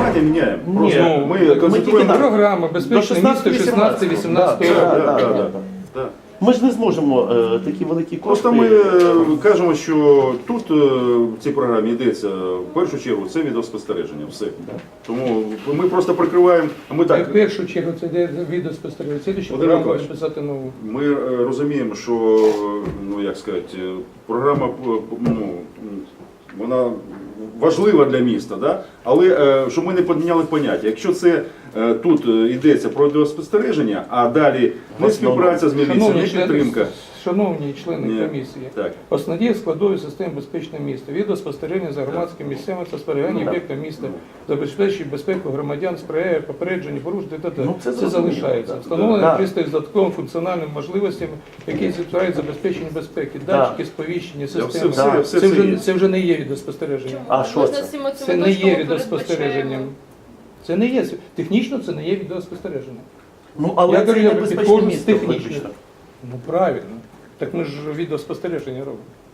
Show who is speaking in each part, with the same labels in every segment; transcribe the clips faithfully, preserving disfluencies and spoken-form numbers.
Speaker 1: поняття міняємо.
Speaker 2: Ні,
Speaker 1: Просто
Speaker 2: ну,
Speaker 1: ми
Speaker 2: ми
Speaker 1: концентруємо.
Speaker 2: тільки
Speaker 3: Програма «Безпечне місто» шістнадцятого вісімнадцятого
Speaker 1: Да,
Speaker 3: року.
Speaker 1: да,
Speaker 2: да,
Speaker 1: да,
Speaker 2: да.
Speaker 1: да. Да.
Speaker 2: Ми ж не зможемо е, такі великі кошти.
Speaker 1: Просто ми е, кажемо, що тут е, в цій програмі йдеться в першу чергу це відеоспостереження. Все. Тому ми просто прикриваємо. Ми
Speaker 3: В
Speaker 1: так.
Speaker 3: першу чергу це йде відеоспостереження. Це ще
Speaker 1: Володимир
Speaker 3: програму
Speaker 1: Миколаївич,
Speaker 3: написати нову.
Speaker 1: Ми е, розуміємо, що ну як сказати, е, програма е, ну, вона важлива для міста, да? Але е, щоб ми не поміняли поняття. Якщо це е, тут е, йдеться про відеоспостереження, а далі не співпраця з міліцією, не
Speaker 3: Шановні члени,
Speaker 1: підтримка.
Speaker 3: шановні члени
Speaker 1: Ні.
Speaker 3: комісії,
Speaker 1: Так.
Speaker 3: основні складові системи «Безпечне місто», відеоспостереження за громадськими місцями та спостерігання об'єкта міста, забезпечує безпеку громадян, сприяє попередженню порушень, т.т.
Speaker 2: Ну, це
Speaker 3: це
Speaker 2: зрозуміло,
Speaker 3: залишається.
Speaker 2: так.
Speaker 3: Встановлено
Speaker 2: Да.
Speaker 3: пристрій з додатковими функціональними можливостями, які відповідають забезпеченню безпеки,
Speaker 2: Да.
Speaker 3: датчики, сповіщення,
Speaker 1: все-
Speaker 3: системи.
Speaker 1: все-
Speaker 2: Да.
Speaker 1: все
Speaker 3: Це
Speaker 1: це
Speaker 3: вже,
Speaker 1: є.
Speaker 3: це вже не є відеоспостереження.
Speaker 2: А що
Speaker 4: Можна
Speaker 2: це?
Speaker 4: всіма цими
Speaker 3: Це не
Speaker 4: точками
Speaker 3: є відеоспостереженням.
Speaker 4: передбачаємо.
Speaker 3: Це не є, технічно це не є відеоспостереження.
Speaker 2: Ну, але
Speaker 3: Я
Speaker 2: це
Speaker 3: говорю,
Speaker 2: не
Speaker 3: я
Speaker 2: безпечне
Speaker 3: підходжу з
Speaker 2: місто.
Speaker 3: технічної.
Speaker 2: фактично.
Speaker 3: Ну правильно. Так ми ж відеоспостереження робимо.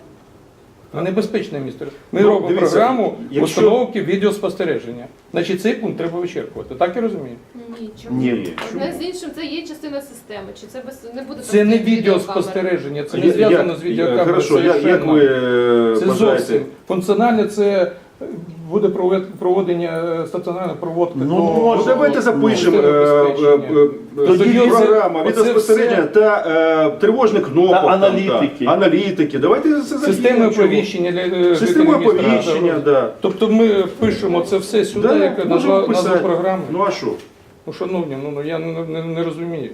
Speaker 3: А небезпечне місто. Ми
Speaker 1: Ну,
Speaker 3: робимо
Speaker 1: дивіться,
Speaker 3: програму
Speaker 1: якщо-
Speaker 3: установки відеоспостереження. Значить, цей пункт треба вичерпувати. Так я розумію?
Speaker 4: Ні, чому?
Speaker 1: Ні.
Speaker 4: Одне з іншим це є частина системи. Чи це без не буде
Speaker 3: Це
Speaker 4: там
Speaker 3: не
Speaker 4: відеокамери?
Speaker 3: відеоспостереження, це не
Speaker 1: Я-
Speaker 3: зв'язано
Speaker 1: як-
Speaker 3: з відеокамерою.
Speaker 1: Хорошо, як, як ви е,
Speaker 3: Це
Speaker 1: бажаєте?
Speaker 3: зовсім. Функціональне це буде провед- проводення е, стаціонарної проводки.
Speaker 2: Ну,
Speaker 3: до-
Speaker 2: може.
Speaker 1: Ну давайте запишемо
Speaker 3: Ну,
Speaker 1: е,
Speaker 3: забезпечення.
Speaker 1: е, е,
Speaker 3: Тоді
Speaker 1: тоді
Speaker 3: це-
Speaker 1: програма
Speaker 3: оце
Speaker 1: відеоспостереження
Speaker 3: все-
Speaker 1: та е, тривожних кнопок.
Speaker 2: Та
Speaker 1: там,
Speaker 2: аналітики.
Speaker 1: та, аналітики. Давайте це
Speaker 3: Системи
Speaker 1: закинемо, чого?
Speaker 3: оповіщення для е,
Speaker 1: Система
Speaker 3: жителів міста.
Speaker 1: оповіщення, да.
Speaker 3: Тобто ми пишемо це все сюди,
Speaker 1: Да,
Speaker 3: як
Speaker 1: можемо
Speaker 3: назва, назва
Speaker 1: писати.
Speaker 3: програми.
Speaker 1: Ну а що?
Speaker 3: Ну, шановні, ну, ну я не, не, не розумію.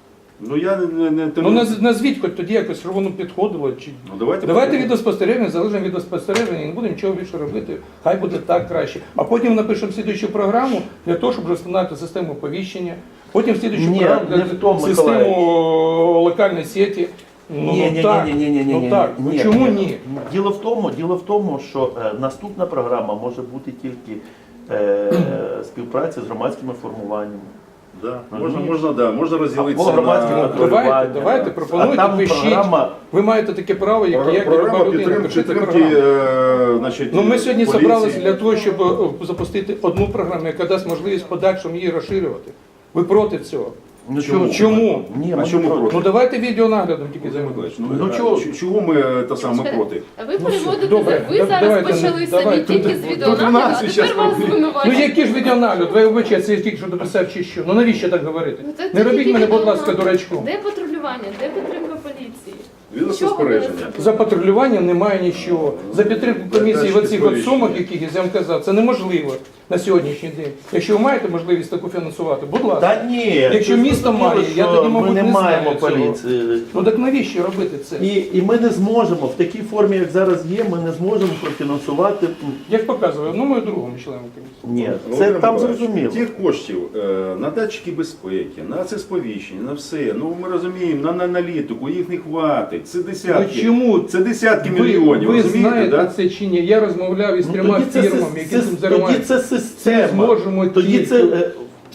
Speaker 1: Ну я не, не, не
Speaker 3: Ну наз- назвіть хоч тоді якось, щоб воно підходило. Чи...
Speaker 1: Ну, давайте
Speaker 3: Давайте
Speaker 1: попробуємо.
Speaker 3: відеоспостереження, залежимо від відеоспостереження, і не будемо нічого більше робити. Хай буде так краще. А потім напишемо слідуючу програму для того, щоб встановити систему оповіщення. Потім слідуючу
Speaker 2: Ні,
Speaker 3: програму
Speaker 2: не
Speaker 3: для
Speaker 2: в тому,
Speaker 3: систему
Speaker 2: Миколаївич.
Speaker 3: о, локальної сіті. Ну,
Speaker 2: Ні,
Speaker 3: ну,
Speaker 2: ні,
Speaker 3: так.
Speaker 2: ні, ні, ні, ні,
Speaker 3: Ну
Speaker 2: ні,
Speaker 3: так.
Speaker 2: ні,
Speaker 3: Ну чому ні?
Speaker 2: Діло в тому, діло в тому, що е, наступна програма може бути тільки е, співпраця з громадськими формуваннями.
Speaker 1: Да. Можна, можна, да, можна
Speaker 2: Або
Speaker 1: розділитися
Speaker 2: громадські
Speaker 1: на
Speaker 2: патрулювання.
Speaker 3: Давайте, давайте,
Speaker 2: А
Speaker 3: пропонуйте,
Speaker 2: там
Speaker 3: пишіть.
Speaker 2: програма,
Speaker 3: Ви маєте таке право, як
Speaker 1: Програ-
Speaker 3: я, як
Speaker 1: програма
Speaker 3: люба людина,
Speaker 1: підтримки,
Speaker 3: пишіть
Speaker 1: підтримки
Speaker 3: програму.
Speaker 1: е, значить,
Speaker 3: Ну, ми сьогодні
Speaker 1: поліції.
Speaker 3: зібралися для того, щоб е, запустити одну програму, яка дасть можливість в подальшому її розширювати. Ви проти цього?
Speaker 2: ну
Speaker 1: Чому?
Speaker 3: Чому?
Speaker 2: Ні,
Speaker 1: А
Speaker 2: ми
Speaker 1: чому
Speaker 2: не
Speaker 1: проти?
Speaker 3: Ну давайте відеонаглядом тільки
Speaker 1: Володимир
Speaker 3: займемося.
Speaker 1: Миколаївич, ну,
Speaker 2: Ну,
Speaker 1: а
Speaker 2: чого?
Speaker 1: ч- чого ми е, та саме
Speaker 4: Чекайте,
Speaker 1: проти?
Speaker 4: А ви
Speaker 3: Ну, все,
Speaker 4: переводите,
Speaker 3: добре,
Speaker 4: ви
Speaker 3: да-
Speaker 4: зараз
Speaker 3: давайте,
Speaker 4: почали
Speaker 3: давайте,
Speaker 4: самі тільки
Speaker 3: тут-
Speaker 4: з
Speaker 3: тут
Speaker 4: відеонагляду,
Speaker 1: нас
Speaker 4: а
Speaker 1: щас
Speaker 4: тепер вас
Speaker 1: робить.
Speaker 3: Ну
Speaker 4: звинувачують.
Speaker 3: який ж відеонагляд? Ви вибачаєте, я тільки що дописав чи що? Ну навіщо так говорити?
Speaker 4: Ну, це
Speaker 3: Не
Speaker 4: тільки
Speaker 3: робіть мене, будь ласка,
Speaker 4: відеонагляд.
Speaker 3: дурачком.
Speaker 4: Де патрулювання, де підтримка поліції?
Speaker 1: Відеоспостереження.
Speaker 3: За патрулюванням немає нічого. За підтримку комісії в оцих от сумах, яких я вам казав, це неможливо на сьогоднішній день. Якщо ви маєте можливість таку фінансувати, будь ласка.
Speaker 2: Та ні,
Speaker 3: Якщо
Speaker 2: це
Speaker 3: місто
Speaker 2: зрозуміло,
Speaker 3: має, я
Speaker 2: що
Speaker 3: тоді,
Speaker 2: ми
Speaker 3: мабуть,
Speaker 2: не
Speaker 3: не
Speaker 2: маємо
Speaker 3: знаю цього.
Speaker 2: поліції.
Speaker 3: Ну так навіщо робити це?
Speaker 2: І, і ми не зможемо в такій формі, як зараз є, ми не зможемо профінансувати.
Speaker 3: Як показує одному і другому члену комісії.
Speaker 2: Ні, це
Speaker 1: Володимир
Speaker 2: там
Speaker 1: Миколаївич,
Speaker 2: зрозуміло.
Speaker 1: Тих коштів е, на датчики безпеки, на це сповіщення, на все. Ну ми розуміємо, на, на аналітику їх не хватить. Це десятки.
Speaker 3: Ну, чому?
Speaker 1: Це десятки
Speaker 3: Ви,
Speaker 1: мільйонів.
Speaker 3: ви
Speaker 1: розумієте,
Speaker 3: знаєте
Speaker 1: да?
Speaker 3: це чи ні? Я розмовляв із
Speaker 2: Ну,
Speaker 3: трьома
Speaker 2: тоді це,
Speaker 3: фірмами,
Speaker 2: сис-
Speaker 3: які
Speaker 2: сис-
Speaker 3: цим
Speaker 2: тоді
Speaker 3: займаються.
Speaker 2: це система.
Speaker 3: зможемо
Speaker 2: Тоді
Speaker 3: тільки-
Speaker 2: це е,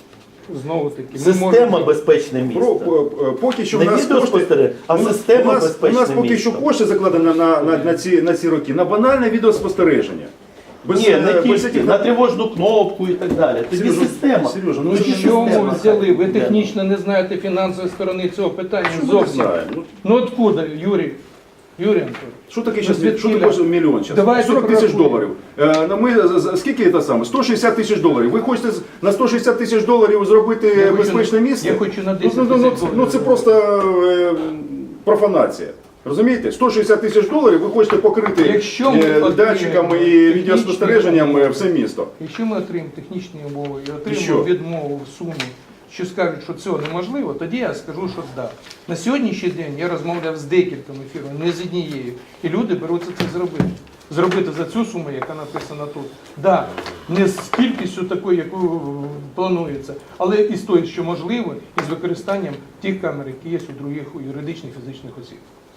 Speaker 3: Знову таки, ми
Speaker 2: система
Speaker 3: можемо-
Speaker 2: безпечне місто.
Speaker 1: Про, е, поки що в
Speaker 2: Не
Speaker 1: нас кошти,
Speaker 2: відеоспостереження, а
Speaker 1: у нас-
Speaker 2: система
Speaker 1: у нас,
Speaker 2: безпечне
Speaker 1: у нас поки
Speaker 2: місто.
Speaker 1: що кошти закладені на, на, на, ці, на ці роки, на банальне відеоспостереження. Без,
Speaker 2: Ні,
Speaker 1: е,
Speaker 2: не
Speaker 1: без
Speaker 2: тільки,
Speaker 1: цих-
Speaker 2: на тривожну кнопку і так далі. Тоді
Speaker 1: Сережа,
Speaker 2: система.
Speaker 1: Сережа, ну
Speaker 3: Ну
Speaker 1: це не
Speaker 3: чому
Speaker 2: система.
Speaker 3: взяли? Ви
Speaker 2: Де?
Speaker 3: технічно не знаєте фінансової сторони цього питання
Speaker 1: Що ми не
Speaker 3: зовсім.
Speaker 1: знаємо? Ну,
Speaker 3: Ну откуда, Юрій? Юрій Анатолійович?
Speaker 1: Що таке
Speaker 3: Ну,
Speaker 1: зараз?
Speaker 3: звідки
Speaker 1: Що
Speaker 3: ля?
Speaker 1: таке мільйон зараз?
Speaker 3: Давайте
Speaker 1: сорок тисяч
Speaker 3: порахуємо.
Speaker 1: доларів. Е, на ми, з- з- скільки це саме? сто шістдесят тисяч доларів. Ви хочете з- на сто шістдесят тисяч доларів зробити
Speaker 3: Я хочу
Speaker 1: безпечне
Speaker 3: на-
Speaker 1: місце?
Speaker 3: я хочу на десять
Speaker 1: ну, ну, ну,
Speaker 3: тисяч
Speaker 1: ну, це
Speaker 3: доларів.
Speaker 1: просто е, профанація. Розумієте? сто шістдесят тисяч доларів ви хочете покрити
Speaker 3: Якщо ми
Speaker 1: е,
Speaker 3: отримаємо
Speaker 1: датчиками і
Speaker 3: технічні
Speaker 1: відеоспостереженням е,
Speaker 3: умови.
Speaker 1: все місто.
Speaker 3: Якщо ми отримаємо технічні умови і
Speaker 1: що?
Speaker 3: отримаємо відмову в сумі, що скажуть, що цього неможливо, тоді я скажу, що да. На сьогоднішній день я розмовляв з декількома фірмами, не з однією, і люди беруться це зробити. Зробити за цю суму, яка написана тут. Да, не з кількістю такою, яку планується, але і з тою, що можливо, і з використанням тих камер, які є у других у юридичних фізичних осіб.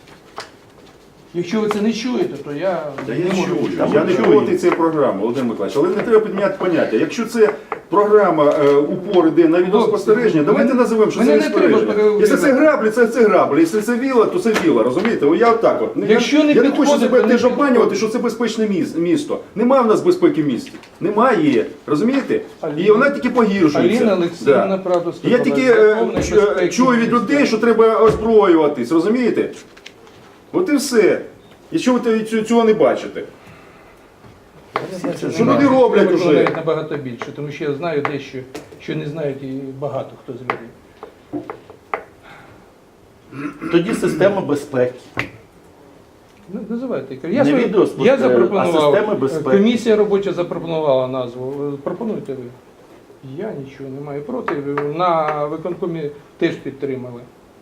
Speaker 3: Якщо ви це не чуєте, то я
Speaker 1: Та
Speaker 3: не
Speaker 1: я
Speaker 3: можу.
Speaker 1: чую,
Speaker 2: Там
Speaker 1: я не
Speaker 2: чую.
Speaker 1: проти цієї програми, Володимир Миколаївич, але не треба підміняти поняття. Якщо це програма е, упор іде на відеоспостереження, давайте
Speaker 3: Мене-
Speaker 1: називемо, що
Speaker 3: мене
Speaker 1: це
Speaker 3: не треба
Speaker 1: відеоспостереження. Якщо це
Speaker 3: переубіжати.
Speaker 1: граблі, це, це граблі. Якщо це віла, то це віла, розумієте? О, я отак от. Я-
Speaker 3: Якщо не
Speaker 1: я не хочу
Speaker 3: підходить,
Speaker 1: себе
Speaker 3: то не
Speaker 1: теж обманювати,
Speaker 3: підходить.
Speaker 1: що це безпечне міс- місто. Немає в нас безпеки в місті. Немає, розумієте? І вона тільки погіршується.
Speaker 3: Аліна Олексіївна,
Speaker 1: Да.
Speaker 3: правду
Speaker 1: Я
Speaker 3: сказала.
Speaker 1: тільки е,
Speaker 3: Повної
Speaker 1: ч-
Speaker 3: безпеки
Speaker 1: чую від
Speaker 3: міста.
Speaker 1: людей, що треба озброюватись, розумієте? От і все. І що ви те- цю- цього не бачите? Що люди роблять
Speaker 3: Я
Speaker 1: уже?
Speaker 3: виконую набагато більше, тому що я знаю дещо, що не знають і багато хто з людей.
Speaker 2: Тоді система безпеки.
Speaker 3: Ну, називайте. Я,
Speaker 2: Не
Speaker 3: свою-
Speaker 2: відеоспостереження,
Speaker 3: я запропонував,
Speaker 2: а системи безпеки.
Speaker 3: комісія робоча запропонувала назву. Пропонуйте ви. Я нічого не маю проти. На виконкомі теж підтримали.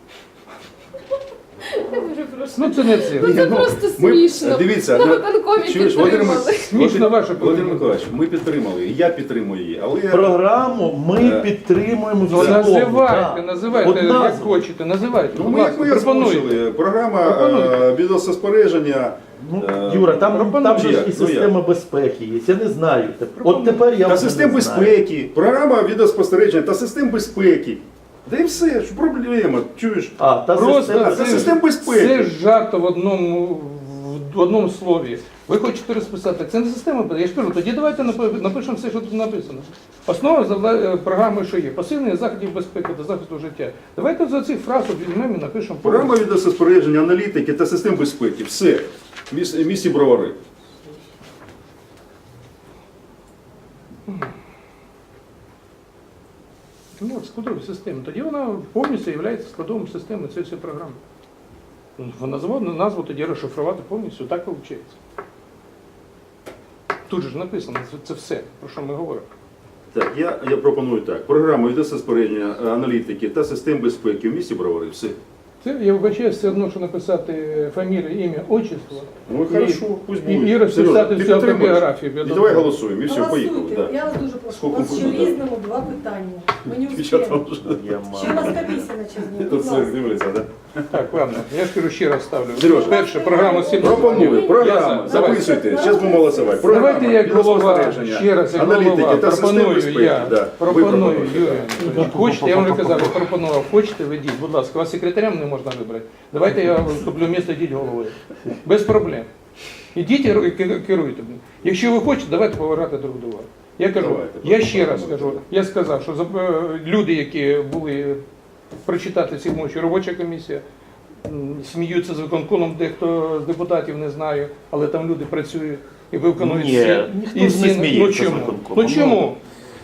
Speaker 4: Я дуже прошу.
Speaker 3: Ну це не це.
Speaker 4: Ну це
Speaker 1: Ну,
Speaker 4: просто
Speaker 1: ми-
Speaker 4: смішно.
Speaker 1: дивіться,
Speaker 4: на
Speaker 1: на-
Speaker 4: виконкомі
Speaker 1: чуєш, Володимир
Speaker 4: підтримали.
Speaker 3: Смішно ваше
Speaker 1: Володимир
Speaker 3: поведінка.
Speaker 1: Миколаївич, ми підтримали, і я підтримую її, але
Speaker 2: Програму ми
Speaker 1: Е,
Speaker 2: підтримуємо в
Speaker 3: Ну,
Speaker 2: цілому.
Speaker 3: називайте,
Speaker 2: так.
Speaker 3: називайте,
Speaker 2: От
Speaker 3: як
Speaker 2: назва.
Speaker 3: хочете, називайте.
Speaker 1: ну,
Speaker 3: будь
Speaker 1: ми як
Speaker 3: ласка,
Speaker 1: ми
Speaker 3: пропонуйте.
Speaker 1: озвучили. Програма
Speaker 3: Пропонуйте.
Speaker 1: е, відеоспостереження.
Speaker 2: Ну,
Speaker 1: е,
Speaker 2: Юра, там,
Speaker 3: пропонуй.
Speaker 2: там же ж
Speaker 1: Як?
Speaker 2: і
Speaker 1: Ну,
Speaker 2: система безпеки є. Я не знаю. От тепер я
Speaker 1: та
Speaker 2: вже
Speaker 1: систем
Speaker 2: не знаю.
Speaker 1: безпеки, програма відеоспостереження та систем безпеки. Да і все, що проблема, чуєш?
Speaker 2: А, та
Speaker 3: Просто
Speaker 2: система.
Speaker 1: це
Speaker 3: це,
Speaker 1: систем безпеки.
Speaker 3: це жарто в одному, в одному слові. Ви хочете розписати, це не система, я ж кажу, тоді давайте напи- напишемо все, що тут написано. Основа завда- програми, що є, посилення заходів безпеки та захисту життя. Давайте за цих фраз от візьмемо і напишемо.
Speaker 1: Програма відеоспостереження, аналітики та систем безпеки. Все. В міс- в місті Бровари.
Speaker 3: Ну, от складові системи. Тоді вона повністю є складовим системи цієї всієї програми. Вона назву, назву тоді розшифрувати повністю, так виходить. Тут же ж написано, це, це все, про що ми говоримо.
Speaker 1: Так, я, я пропоную так. Програма відеоспостереження, аналітики та систем безпеки в місті Бровари. Все.
Speaker 3: Це, я вибачаю, все одно, що написати фамілію, ім'я, отчество.
Speaker 1: Ну
Speaker 3: І-
Speaker 1: хорошо, пусть
Speaker 3: і-
Speaker 1: буде.
Speaker 3: і розписати
Speaker 1: Сережа, ти
Speaker 3: всю
Speaker 1: підтримуєш?
Speaker 3: автобіографію, я
Speaker 1: І
Speaker 3: думаю.
Speaker 1: давай голосуємо, і все, поїхали.
Speaker 5: Голосуйте.
Speaker 1: Да.
Speaker 5: Я вас дуже прошу.
Speaker 1: Скільки
Speaker 5: У нас ще
Speaker 1: можна, да?
Speaker 5: різному два питання. Ми не
Speaker 1: Дівчата
Speaker 5: успіємо.
Speaker 1: вже
Speaker 2: Я
Speaker 5: Ще у
Speaker 2: маю.
Speaker 5: нас комісія на час дня.
Speaker 1: тут
Speaker 5: Будь
Speaker 1: все
Speaker 5: ласка.
Speaker 1: дивляться, так?
Speaker 3: Так, ладно, я ж кажу, ще раз ставлю.
Speaker 1: Сережа.
Speaker 3: Перше, програма сім.
Speaker 1: Пропоную, програма,
Speaker 3: Я за. Давай.
Speaker 1: записуйте, зараз будемо голосувати. Програма,
Speaker 3: Давайте як голова,
Speaker 1: відеоспостереження,
Speaker 3: ще раз як
Speaker 1: аналітики
Speaker 3: голова,
Speaker 1: та систем
Speaker 3: пропоную
Speaker 1: безпеки.
Speaker 3: я,
Speaker 1: Да.
Speaker 3: пропоную,
Speaker 1: Ви пропонуєте,
Speaker 3: Юрій.
Speaker 1: так.
Speaker 3: Анатолійович. Хочете, я вам вже казав, я пропонував, хочете, ведіть, будь ласка, вас секретарям не можна вибрати. Давайте я вступлю місто, йдіть головою. Без проблем. Ідіть і ки- керуйте. Якщо ви хочете, давайте поважати друг друга. Я кажу,
Speaker 1: Давайте,
Speaker 3: я ще раз
Speaker 1: пропонуйте.
Speaker 3: кажу, я сказав, що за- е, люди, які були прочитати ці мочі, робоча комісія, м, сміються з виконкомом, дехто з депутатів не знаю, але там люди працюють і виконують
Speaker 2: Ні,
Speaker 3: всі.
Speaker 2: ніхто
Speaker 3: і
Speaker 2: не
Speaker 3: всі-
Speaker 2: сміється
Speaker 3: ну
Speaker 2: з
Speaker 3: чому?
Speaker 2: виконкомом.
Speaker 3: Ну чому?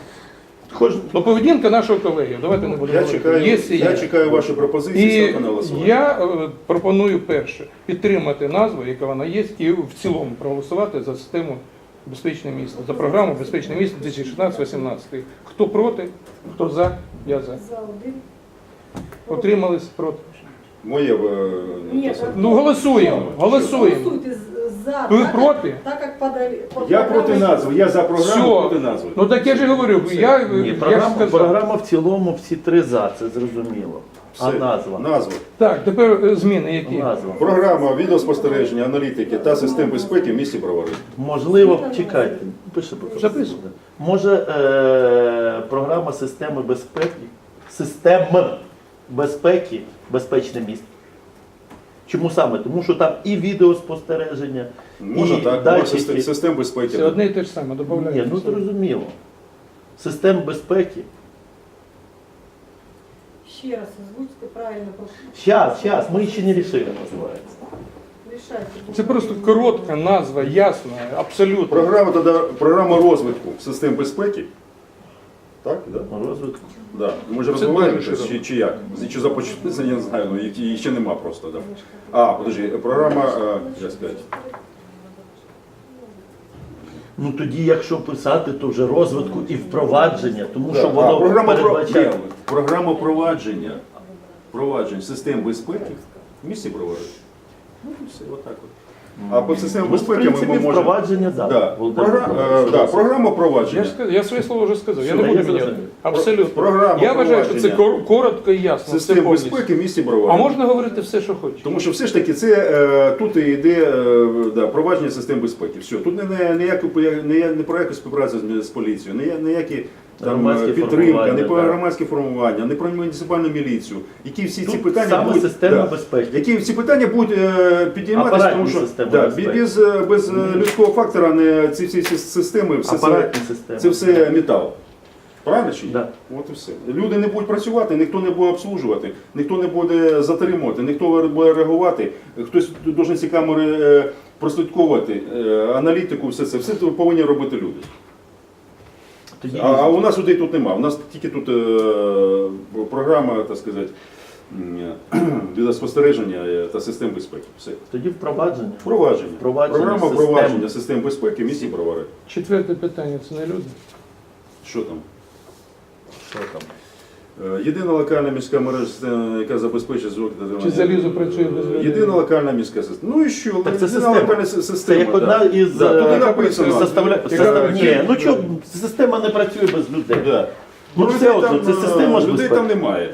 Speaker 2: Кожен-
Speaker 3: Ну поведінка нашого колеги, давайте не будемо
Speaker 1: Я
Speaker 3: говорити.
Speaker 1: чекаю,
Speaker 3: Є і
Speaker 1: я
Speaker 3: є.
Speaker 1: чекаю ваші пропозиції,
Speaker 3: І
Speaker 1: ставте на голосування.
Speaker 3: я е, пропоную перше підтримати назву, яка вона є, і в цілому проголосувати за систему безпечне місто, за програму безпечне місто дві тисячі шістнадцять вісімнадцять. Хто проти, хто за, я за.
Speaker 5: За один.
Speaker 3: Отримались проти.
Speaker 1: Моє е,
Speaker 5: Ні,
Speaker 1: те саме.
Speaker 3: Ну голосуємо, голосуємо.
Speaker 5: Голосуйте з- за.
Speaker 3: Ви
Speaker 5: так,
Speaker 3: проти?
Speaker 5: як- Так як подали.
Speaker 1: Я проти назви, я за програму,
Speaker 3: Все.
Speaker 1: проти назви.
Speaker 3: Ну так я ж і говорю, я,
Speaker 2: Ні,
Speaker 3: я ж
Speaker 2: програма,
Speaker 3: сказав.
Speaker 2: програма в цілому всі три за, це зрозуміло. А
Speaker 1: Все.
Speaker 2: назва?
Speaker 1: Назва.
Speaker 3: Так, тепер е, зміни які?
Speaker 2: Назва.
Speaker 1: Програма відеоспостереження, аналітики та систем безпеки в місті Бровари.
Speaker 2: Можливо, чекайте, пише просто.
Speaker 3: Записуй.
Speaker 2: Може е, програма системи безпеки, систем безпеки, безпечне місто. Чому саме? Тому що там і відеоспостереження,
Speaker 1: Можна
Speaker 2: і
Speaker 1: так, може,
Speaker 2: датчики.
Speaker 1: систем, систем безпеки.
Speaker 3: Це одне і те ж саме,
Speaker 2: Ні,
Speaker 3: додаємо.
Speaker 2: ну зрозуміло. Систем безпеки.
Speaker 5: Ще раз озвучте правильно. прошу.
Speaker 2: Щас, щас, ми ще не рішили, називається.
Speaker 5: Рішайте.
Speaker 3: Це просто коротка назва, ясна, абсолютно.
Speaker 1: Програма, тоді, програма розвитку систем безпеки. Так, да?
Speaker 2: Розвитку.
Speaker 1: Да. Ми ж
Speaker 3: Це
Speaker 1: розвиваємося,
Speaker 3: дуже
Speaker 1: чи, чи як? Чи започатку, я не знаю, ну, її ще нема просто. Да. А, подожди, програма, е, як сказати,
Speaker 2: Ну тоді, якщо писати, то вже розвитку і впровадження, тому
Speaker 1: да.
Speaker 2: що
Speaker 1: а,
Speaker 2: воно
Speaker 1: програма, про...
Speaker 2: передбачає.
Speaker 1: Ні, програма провадження, провадження систем безпеки в місті Бровари. Ну, і все, отак от. А по системі
Speaker 2: Ну, в
Speaker 1: безпеки ми,
Speaker 2: принципі,
Speaker 1: ми можемо...
Speaker 2: впровадження, так.
Speaker 1: Да. Програ... е, да, програма
Speaker 3: Я,
Speaker 1: провадження.
Speaker 3: ж сказ- я своє слово вже сказав, я
Speaker 2: Все,
Speaker 3: не
Speaker 2: я
Speaker 3: буду міняти.
Speaker 2: зрозумів.
Speaker 3: Абсолютно.
Speaker 1: Програма
Speaker 3: Я вважаю, що це
Speaker 1: провадження
Speaker 3: кор- коротко і ясно. все
Speaker 1: Систем
Speaker 3: повністю.
Speaker 1: безпеки в місті Бровари.
Speaker 3: А можна говорити все, що хочеш.
Speaker 1: Тому що все ж таки це е, тут і йде е, да, провадження систем безпеки. Все, тут не, не, ніякі, не, не про яку співпрацю з, з поліцією, не, ніякі там
Speaker 2: Громадське
Speaker 1: е, підтримка,
Speaker 2: формування,
Speaker 1: не про
Speaker 2: да.
Speaker 1: громадське формування, не про муніципальну міліцію. Які всі ці
Speaker 2: Тут
Speaker 1: питання
Speaker 2: саме
Speaker 1: будуть,
Speaker 2: система
Speaker 1: да,
Speaker 2: безпеки.
Speaker 1: які всі питання будуть е, підійматися,
Speaker 2: Апаратні
Speaker 1: тому що
Speaker 2: системи
Speaker 1: да,
Speaker 2: безпеки.
Speaker 1: без, е, без е, людського фактора не ці всі ці системи, все це,
Speaker 2: Апаратні системи.
Speaker 1: це все метал. Правильно чи ні?
Speaker 2: Да.
Speaker 1: От і все. Люди не будуть працювати, ніхто не буде обслужувати, ніхто не буде затримувати, ніхто не буде реагувати. Хтось повинен ці камери е, прослідковувати, е, аналітику, все це. Все це повинні робити люди.
Speaker 2: Тоді,
Speaker 1: А, а у нас людей тут немає. У нас тільки тут е, програма, так сказати, м, відеоспостереження е, та систем безпеки. Все.
Speaker 2: тоді впровадження.
Speaker 1: Впровадження.
Speaker 2: Впровадження
Speaker 1: Програма
Speaker 2: систем.
Speaker 1: впровадження систем безпеки в місті Бровари.
Speaker 3: Четверте питання це не люди.
Speaker 1: Що там?
Speaker 2: Що там?
Speaker 1: Е, Єдина локальна міська мережа, система, яка забезпечує звук та
Speaker 3: Чи залізо працює без людей?
Speaker 1: Єдина локальна міська система. Ну і що?
Speaker 2: Так це
Speaker 1: Єдина
Speaker 2: система.
Speaker 1: локальна с- система.
Speaker 2: Це як одна
Speaker 1: да.
Speaker 2: із
Speaker 1: Да, туди
Speaker 2: е,
Speaker 1: написано.
Speaker 2: составля...
Speaker 3: Яка
Speaker 2: состав- Ні,
Speaker 3: працює?
Speaker 2: ну що, система не працює без людей.
Speaker 1: Да.
Speaker 2: Ну,
Speaker 1: людей
Speaker 2: все одно,
Speaker 1: там,
Speaker 2: це
Speaker 1: е,
Speaker 2: система ж
Speaker 1: людей
Speaker 2: безпеки.
Speaker 1: там немає.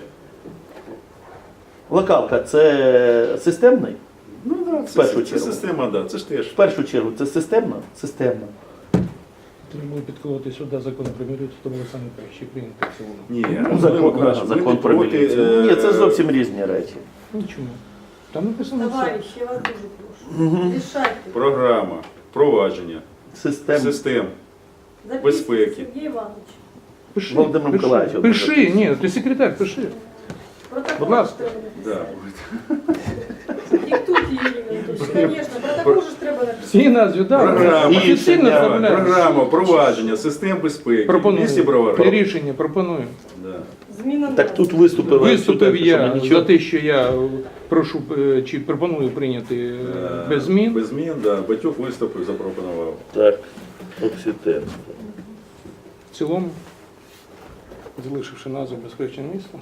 Speaker 2: Локалка це системний?
Speaker 1: Ну да,
Speaker 2: В
Speaker 1: це,
Speaker 2: першу
Speaker 1: це, це
Speaker 2: чергу.
Speaker 1: система, да, це ж теж.
Speaker 2: В першу чергу це системна? Системна.
Speaker 3: Треба підколоти сюди закон про міліцію, тому ви самі краще прийняти в цілому.
Speaker 1: Ні,
Speaker 2: Ну,
Speaker 1: Анатолій
Speaker 2: закон,
Speaker 1: Миколаївич, ми
Speaker 2: закон
Speaker 1: не
Speaker 2: про
Speaker 1: проти,
Speaker 2: міліцію.
Speaker 1: е,
Speaker 2: Ні, це зовсім різні речі.
Speaker 3: Нічому. Там написано все.
Speaker 5: Товарищ, я вас дуже прошу. Решайте.
Speaker 1: Програма, впровадження,
Speaker 2: Систем.
Speaker 1: систем.
Speaker 5: Записывайте,
Speaker 1: безпеки.
Speaker 5: Сергей Иванович.
Speaker 3: Пиши,
Speaker 2: Володимир
Speaker 3: пиши.
Speaker 2: Миколаївич,
Speaker 3: Пиши, ні, ти секретар, пиши.
Speaker 5: Протокол
Speaker 3: Будь ласка.
Speaker 5: треба
Speaker 1: Да.
Speaker 5: написати. Диктуйте, Юрій Анатольевич. Конечно, протокол же ж треба написати.
Speaker 3: Всі назві, так.
Speaker 1: Програма,
Speaker 3: Офіційно
Speaker 2: рішення,
Speaker 3: вставляємо.
Speaker 1: Програма, впровадження, систем безпеки. В місті
Speaker 3: Пропоную.
Speaker 1: Бровари.
Speaker 3: Рішення пропоную.
Speaker 1: Да.
Speaker 5: Зміна
Speaker 2: Так
Speaker 5: назви.
Speaker 2: тут виступили.
Speaker 3: Виступив
Speaker 2: експерти, що
Speaker 3: я
Speaker 2: ми
Speaker 3: за
Speaker 2: нічого-
Speaker 3: те, що я прошу е, чи пропоную прийняти е,
Speaker 1: Е,
Speaker 3: без змін.
Speaker 1: Без змін, да. Батюк виступив, запропонував.
Speaker 2: Так, Окситен.
Speaker 3: В цілому, залишивши назву безпечне місто,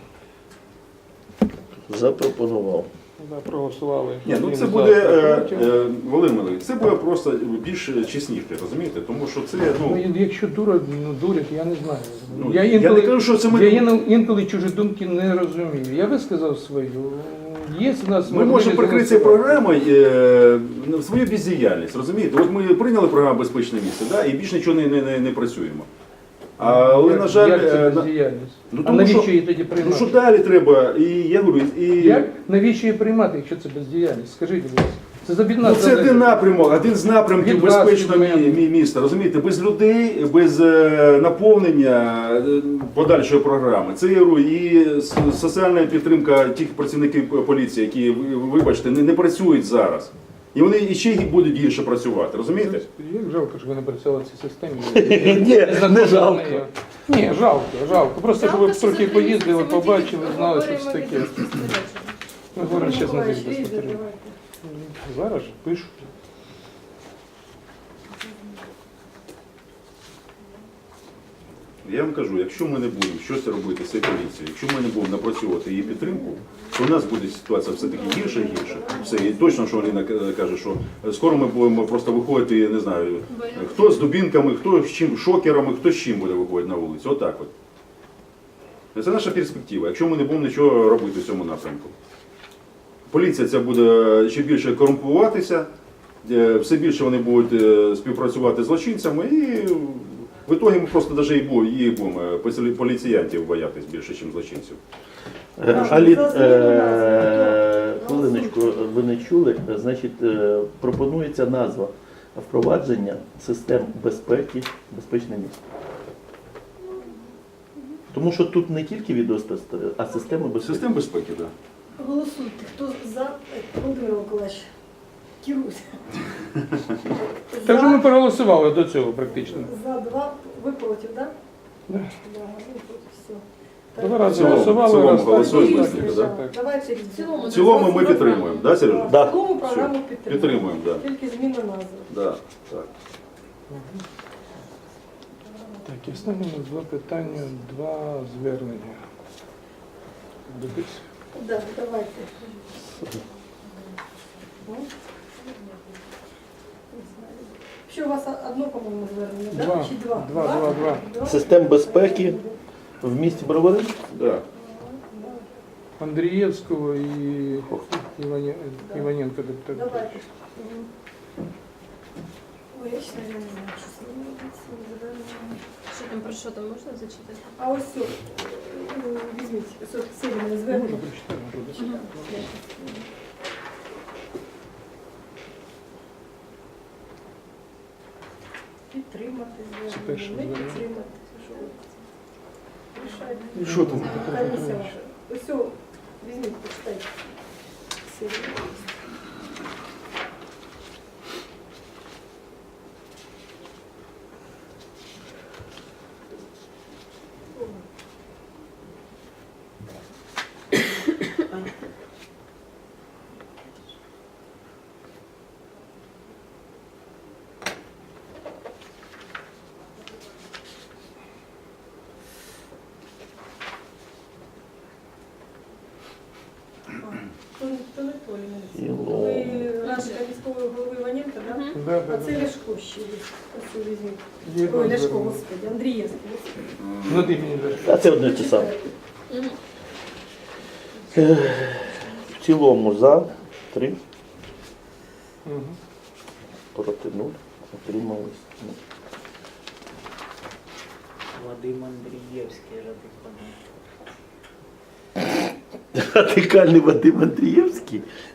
Speaker 2: Запропонував.
Speaker 3: да, проголосували.
Speaker 1: Ні, ну
Speaker 3: Один
Speaker 1: це
Speaker 3: за,
Speaker 1: буде,
Speaker 3: проти.
Speaker 1: е, е, Володимир Миколаївич, це буде просто більш чесніше, розумієте? Тому що це,
Speaker 3: Ну,
Speaker 1: ну,
Speaker 3: якщо дура, ну, дурять, я не знаю.
Speaker 1: Ну,
Speaker 3: я,
Speaker 1: я
Speaker 3: інколи,
Speaker 1: не кажу, що це ми-
Speaker 3: я інколи, інколи чужі думки не розумію. Я висказав свою. Є у нас
Speaker 1: ми можемо
Speaker 3: можливість
Speaker 1: прикрити цією
Speaker 3: голосувати.
Speaker 1: програмою е, свою бездіяльність, розумієте? От ми прийняли програму «Безпечне місце», да, і більше нічого не, не, не, не працюємо. Але,
Speaker 3: Як-
Speaker 1: на жаль,
Speaker 3: як
Speaker 1: е,
Speaker 3: це
Speaker 1: на-
Speaker 3: бездіяльність?
Speaker 1: ну,
Speaker 3: А
Speaker 1: тому
Speaker 3: навіщо
Speaker 1: що-
Speaker 3: її тоді
Speaker 1: ну
Speaker 3: приймати?
Speaker 1: що далі треба? І я говорю, і...
Speaker 3: Як? Навіщо її приймати, якщо це бездіяльність? Скажіть, будь ласка. Це за
Speaker 1: Ну, це один напрямок, один з напрямків
Speaker 3: Від вас,
Speaker 1: безпечного
Speaker 3: від мене.
Speaker 1: мі- мі- міста. Розумієте, без людей, без е, наповнення е, подальшої програми. Це я говорю, і с- соціальна підтримка тих працівників поліції, які, ви- вибачте, не, не працюють зараз. І вони і ще будуть гірше працювати, розумієте?
Speaker 3: Як жалко, що ви не працювали в цій системі.
Speaker 2: Ні, не жалко.
Speaker 3: Ні, жалко, жалко. Просто щоб ви
Speaker 4: Жалко, що
Speaker 3: трохи
Speaker 4: за три
Speaker 3: поїздили,
Speaker 4: місяці ми
Speaker 3: побачили,
Speaker 4: тільки
Speaker 3: знали, що це
Speaker 4: говоримо
Speaker 3: таке.
Speaker 4: від спостереження.
Speaker 3: Ми говоримо зараз на
Speaker 5: Миколаївич,
Speaker 3: зв'язку
Speaker 5: візьміть,
Speaker 3: спостереження.
Speaker 5: давайте.
Speaker 3: Зараз же пишуть.
Speaker 1: Я вам кажу, якщо ми не будемо щось робити з цією поліцією, якщо ми не будемо напрацьовувати її підтримку, то у нас буде ситуація все-таки гірше і гірше. Все, і точно, що Аліна каже, що скоро ми будемо просто виходити, я не знаю, хто з дубінками, хто з чим, шокерами, хто з чим буде виходити на вулицю. Отак от. Це наша перспектива, якщо ми не будемо нічого робити в цьому напрямку. Поліція ця буде ще більше корумпуватися, е, все більше вони будуть е, співпрацювати з злочинцями і в ітогі ми просто навіть і бу- і будемо е, полі- поліціянтів боятись більше, ніж злочинців.
Speaker 2: Е, Алін, е, хвилиночку, ви не чули, значить, е, пропонується назва впровадження систем безпеки, безпечне місто. Тому що тут не тільки відеоспостереження, а системи безпеки.
Speaker 1: Систем безпеки, так.
Speaker 5: Голосуйте, хто за, Володимир Миколаївич, керуйся.
Speaker 3: Так же ми проголосували до цього практично.
Speaker 5: За два, ви проти, так?
Speaker 3: Да.
Speaker 5: Да, ви проти, все.
Speaker 3: Два рази
Speaker 1: В цілому-
Speaker 3: голосували,
Speaker 1: в цілому
Speaker 3: раз так,
Speaker 1: голосуємо,
Speaker 3: так,
Speaker 1: Василь,
Speaker 3: так,
Speaker 1: да?
Speaker 3: так.
Speaker 5: Давайте
Speaker 4: В цілому,
Speaker 1: В цілому ми підтримуємо, да, Сережа?
Speaker 2: Да.
Speaker 5: В цілому програму
Speaker 1: Все.
Speaker 5: підтримуємо.
Speaker 1: Підтримуємо, да.
Speaker 5: Тільки зміна назви.
Speaker 1: Да, так.
Speaker 3: Так, і останнє у нас два питання, два звернення. Дивись.
Speaker 5: Да, давайте. Що у вас одно, по-моєму, звернення, да?
Speaker 3: Два.
Speaker 5: Чи два?
Speaker 3: Два, два, два.
Speaker 5: Два?
Speaker 2: Систем безпеки в місті Бровари?
Speaker 1: Да.
Speaker 3: Андрієвського і Івані- Іваненка депутата.
Speaker 5: Давайте. Мгм. Ой, я ще не знаю, що з ним робити, з цим зверненням. Щоб
Speaker 4: Там про що там можна зачитати?
Speaker 5: А ось все, візьміть, ось от сильне звернення.
Speaker 4: Мгм.
Speaker 5: Підтримати
Speaker 3: Це перше
Speaker 5: звернення, не
Speaker 3: звернення.
Speaker 5: підтримати. Що ви? Рішайте.
Speaker 3: Що там?
Speaker 5: Комісія ваша. Ось о, візьміть, почитайте. Сильне. То, то не то, Ліна. Ви радника міського голови Іваненка, так?
Speaker 4: Мгм.
Speaker 3: Да, да,
Speaker 5: А
Speaker 3: да.
Speaker 5: це Ляшко ще є. Ось о, візьміть.
Speaker 3: Є
Speaker 5: Ой, Ляшко,
Speaker 3: звернення.
Speaker 5: господи, Андрієвський. господи.
Speaker 3: Ну ти мені даш.
Speaker 2: А це одне те саме.
Speaker 4: Мгм.
Speaker 2: В цілому за три,
Speaker 3: Мгм.
Speaker 2: проти нуль, отримались. нуль.
Speaker 6: Вадим Андрієвський радикальний.
Speaker 2: Радикальний Вадим Андрієвський.